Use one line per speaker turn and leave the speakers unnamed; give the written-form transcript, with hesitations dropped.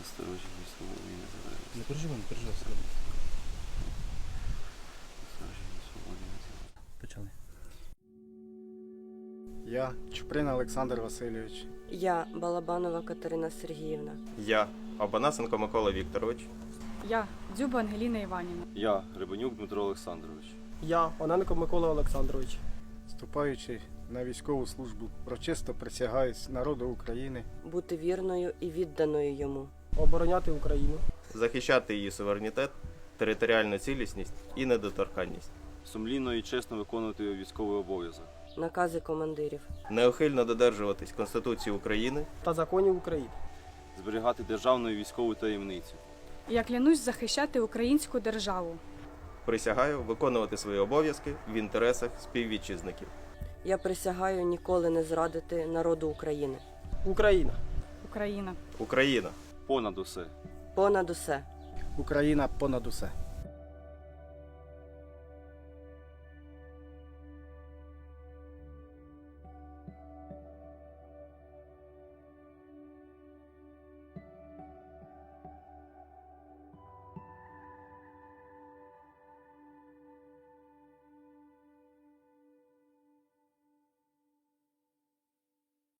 Насторожені свободі і незалежності.
Не переживай, все добре.
Насторожені свободі і незалежності.
Почали.
Я Чуприн Олександр Васильович.
Я Балабанова Катерина Сергіївна.
Я Абанасенко Микола Вікторович.
Я Дзюба Ангеліна Іванівна.
Я Гребенюк Дмитро Олександрович.
Я Оненко Микола Олександрович.
Вступаючи на військову службу, урочисто присягаюсь народу України,
Бути вірною і відданою йому.
Обороняти Україну.
Захищати її суверенітет, територіальну цілісність і недоторканність.
Сумлінно і чесно виконувати військовий обов'язок.
Накази командирів.
Неухильно додержуватись Конституції України.
Та законів України.
Зберігати державну і військову таємницю.
Я клянусь захищати українську державу.
Присягаю виконувати свої обов'язки в інтересах співвітчизників.
Я присягаю ніколи не зрадити народу України.
Україна.
Україна.
Україна.
Понад усе.
Понад усе.
Україна понад усе.